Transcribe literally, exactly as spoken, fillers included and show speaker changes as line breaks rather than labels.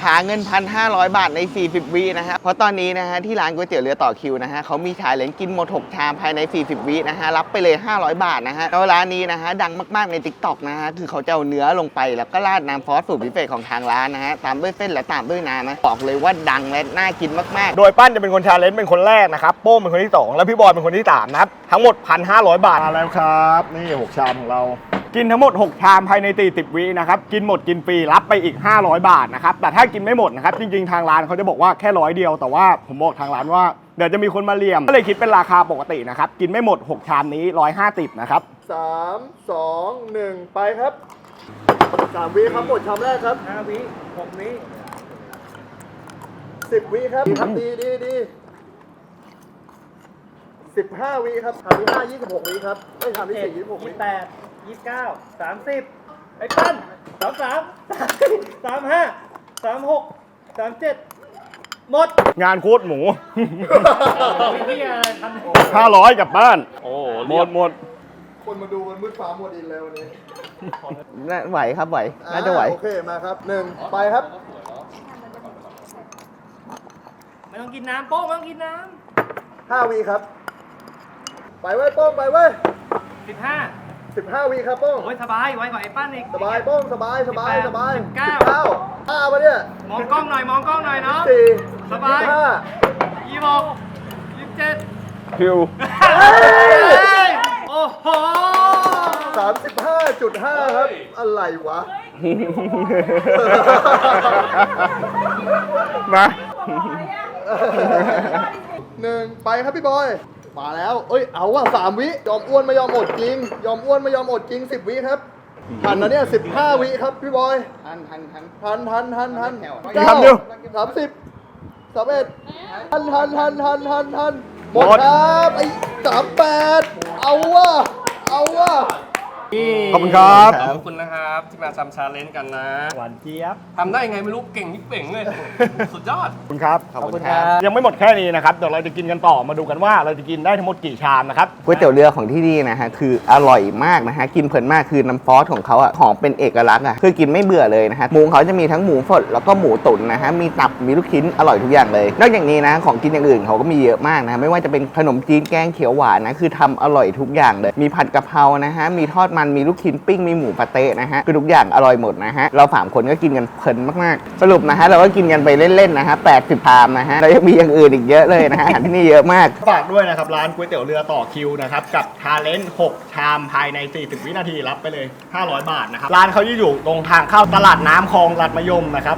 หาเงิน หนึ่งพันห้าร้อย บาทในสี่สิบวินะฮะเพราะตอนนี้นะฮะที่ร้านก๋วยเตี๋ยวเรือต่อคิวนะฮะเขามีชาเลนจ์กินหมดหกชามภายในสี่สิบวินะฮะรับไปเลยห้าร้อยบาทนะฮะแล้วร้านนี้นะฮะดังมากๆใน ติ๊กต็อก นะฮะคือเขาจะเอาเนื้อลงไปแล้วก็ราดน้ำซอสสูตรพิเศษของทางร้านนะฮะตามด้วยเส้นและตามด้วยน้ำนะบอกเลยว่าดังและน่ากินมากๆ
โดยปั้นจะเป็นคนชาเลนจ์เป็นคนแรกนะครับโป้งเป็นคนที่สองแล้วพี่บอยเป็นคนที่สามนะครับทั้งหมด หนึ่งพันห้าร้อย บาทมาแล้วครับนี่หกชามของเรากินทั้งหมดหกชามภายในสี่สิบวินะครับกินหมดกินฟรีรับไปอีกห้าร้อยบาทนะครับแต่ถ้ากินไม่หมดนะครับจริงๆทางร้านเขาจะบอกว่าแค่ร้อยเดียวแต่ว่าผมบอกทางร้านว่าเดี๋ยวจะมีคนมาเลี่ยมก็เลยคิดเป็นราคาปกตินะครับกินไม่หมดหกชามนี้หนึ่งร้อยห้าสิบนะครับสาม สอง หนึ่งไปครับสามวิครับหมดชามแรกครับห้าวิหกวิสิบวิครับทำดีดีดีสิบห้าวิครับทำที่ห้ายี่สิบหกวิครับไม่ทำที่สี่ยี่สิบหกวิ
ยี่สิบแปดยี่สิบเก้าสามสิบไอ้ปั้นสามสามสามสี่สามห้าสามหกสามเจ็ดหมด
งานโคตรหมู
พี่อะไรทำ
ห้าร้อยกลับบ้านโอ้หมดหมด
คนมาดูมันมืดฟ้ามัวดินแล้ววันนี้
ไหวครับไหวน่าจะไหว
โอเคมาครับหนึ่งไปครับ
ไม่ต้องกินน้ำโป้งไม่ต้องกินน้
ำห้าวิครับไปเว้ยโป้งไปเว้ย
ำสิบห้า
สิบห้าวิครับโป้ง
โอ้ยสบายไว้กว่าไอ้ปั้นอีก
สบายโป้งสบายสบายสบาย
สิบเก้า
เก้าห้าปะเนี่ย
มองกล้องหน่อยมองกล้องหน่อยเนาะ
สี่
สบาย
ห้า
ยี่สิบหกยี่สิบเจ็ด
คิว
โอ้โห
สามสิบห้าจุดห้าครับอะไรวะ
มา
หนึ่งไปครับพี่บอยมาแล้วเอ้ยเอาว่ะสามวิยอมอ้วนไม่ยอมอดจริงยอมอ้วนไม่ยอมอดจริงสิบวิครับทันนะเนี่ยสิบห้าวิครับพี่บอย
ทันทันทัน
ทันทันทันทัน
เก้า
สามสิบสามเอ็ดทันทันทันทันทันทันหมดครับไอ้สามแปดเอาว่ะเอาว่ะ
ขอบคุณครับ
ขอบคุณนะครับที่มาทำชาเลนจ์กันนะ
หวานเจี๊ยบ
ทำได้ไงไม่รู้เก่งนี่เป่งเลย สุดยอด
ขอบคุณครับ
ขอบคุณครับ
ยังไม่หมดแค่นี้นะครับเดี๋ยวเราจะกินกันต่อมาดูกันว่าเราจะกินได้ทั้งหมดกี่ชามนะครับ
ก๋วยเตี๋ยวเรือของที่นี่นะฮะคืออร่อยมากนะฮะกินเพลินมากคือน้ำซอสของเขาอ่ะหอมเป็นเอกลักษณ์อ่ะคือกินไม่เบื่อเลยนะฮะหมูเขาจะมีทั้งหมูสดแล้วก็หมูตุ๋นนะฮะมีตับมีลูกชิ้นอร่อยทุกอย่างเลยนอกจากนี้นะของกินอย่างอื่นเขาก็มีเยอะมากนะไม่ว่าจะเป็นขนมจีนแกงเขียวหวานนะคือทำอร่อยทุกอย่างเลยมีผัดกะเพรานะฮะมีทอดมันมีลูกชิ้นปิ้งมีหมูปาเต้นะฮะคือทุกอย่างอร่อยหมดนะฮะเราสามคนก็กินกันเพลินมากๆสรุปนะฮะเราก็กินกันไปเล่นๆนะฮะแปดสิบชามนะฮะแล้วยังมีอย่างอื่นอีกเยอะเลยนะฮะอาหารที่นี่เยอะมาก
ฝากด้วยนะครับร้านก๋วยเตี๋ยวเรือต่อคิวนะครับกับชาเลนจ์หกชามภายในสี่สิบวินาทีรับไปเลยห้าร้อยบาทนะครับร้านเขาอยู่ตรงทางเข้าตลาดน้ำคลองลัดมะยมนะครับ